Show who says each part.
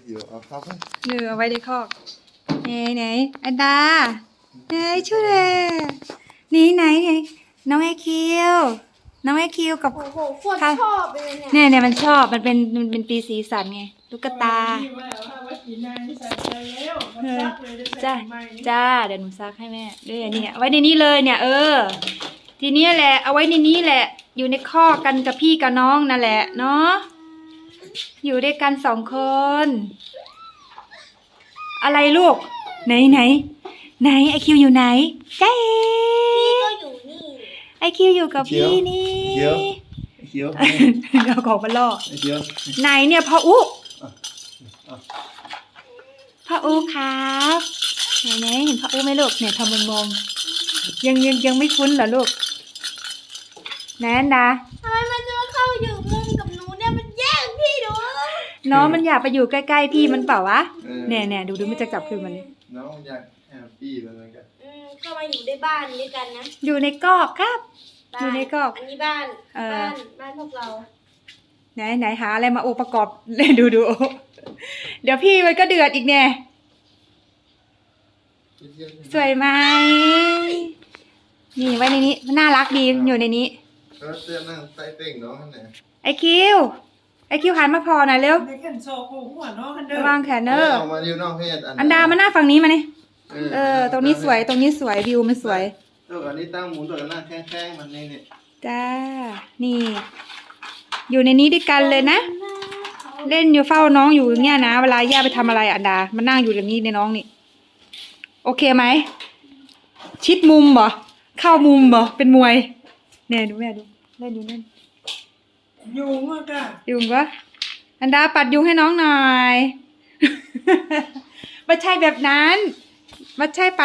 Speaker 1: อยู่เอาเข้าไป
Speaker 2: เอาไว้ในคอกไหนอันดาช่วยเลยนี่ไหนน้องไอคิวกับ
Speaker 3: โอ้โหโคตรชอบเลยเนี่ย
Speaker 2: เนี่ยมันชอบมันเป็นปีสีสันไงตุ๊กตาจ้าเดี๋ยวหนูซักให้แม่ด้วยเนี่ยไว้ในนี้เลยเนี่ยทีนี้แหละเอาไว้ในนี้แหละอยู่ในคอกกันกับพี่กับน้องนั่นแหละเนาะอยู่ด้วยกัน2 คนอะไรลูกไหนไอคิวอยู่ไหนจ้า
Speaker 3: พี่ก็อยู่นี่
Speaker 2: ไอคิวอยู่กับพี่นี่
Speaker 1: เขียว
Speaker 2: เอาของมาล่อ
Speaker 1: เขียว
Speaker 2: ไหนเนี่ยพ่ออุ๊ครับไหนเห็นพ่ออุ๊ไหมลูกเนี่ยทำมองยังไม่คุ้นเหรอลูกแนนดา
Speaker 3: ทำไมมันจะมาเข้าอยู่มุมกับหนูเนี่ยมันแย่งพี่หนู
Speaker 2: น้องมันอยากไปอยู่ใกล้ๆพี่มันเปล่าวะเนี่ยดูมันจะกลับคืนมันเลย
Speaker 1: น้องอยากแฮปปี้เหมือนกัน
Speaker 3: เข้ามาอยู่ในบ้านด้วยกันนะ
Speaker 2: อยู่ในกอกครับอยู่ในกอก
Speaker 3: อันนี้บ้านพวกเรา
Speaker 2: ไหนหาอะไรมาประกอบเลยดูเดี๋ยวพี่มันก็เดือดอีกเนี่ยสวยไหมนี่ไว้ในนี้น่ารักดีอยู่ในนี้
Speaker 1: แล้วเสื้อนั่งใต้เต่งน้องข้างไหน
Speaker 2: ไอคิวหันมาพอหน่อยเร็ว
Speaker 4: ในแขนโซกูหัวน้องกันเด้อ
Speaker 2: ระวังแขนเนอร์
Speaker 1: ออกมาอยู่นอกเพศ
Speaker 2: อันดามาหน้าฝั่งนี้มานี่ตรงนี้สวยวิวมันสวย
Speaker 1: ตัวอันนี้ตั้งหมุนตัวกันหน้าแข้งมันนี่
Speaker 2: จ้านี่ อยู่ในนี้ด้วยกันเลยนะเล่นอยู่เฝ้าน้องอยู่เนี่ยนะเวลาย่าไปทำอะไรอันดามันนั่งอยู่อย่างนี้ในน้องนี่โอเคไหมชิดมุมเหรอเข้ามุมเหรอเป็นมวยเนี่ยดูแม่ดูเล่น
Speaker 4: ยุงอ่ะกะ
Speaker 2: ยุงวะอันดาปัดยุงให้น้องหน่อย ไม่ใช่แบบนั้นไม่ใช่ปัด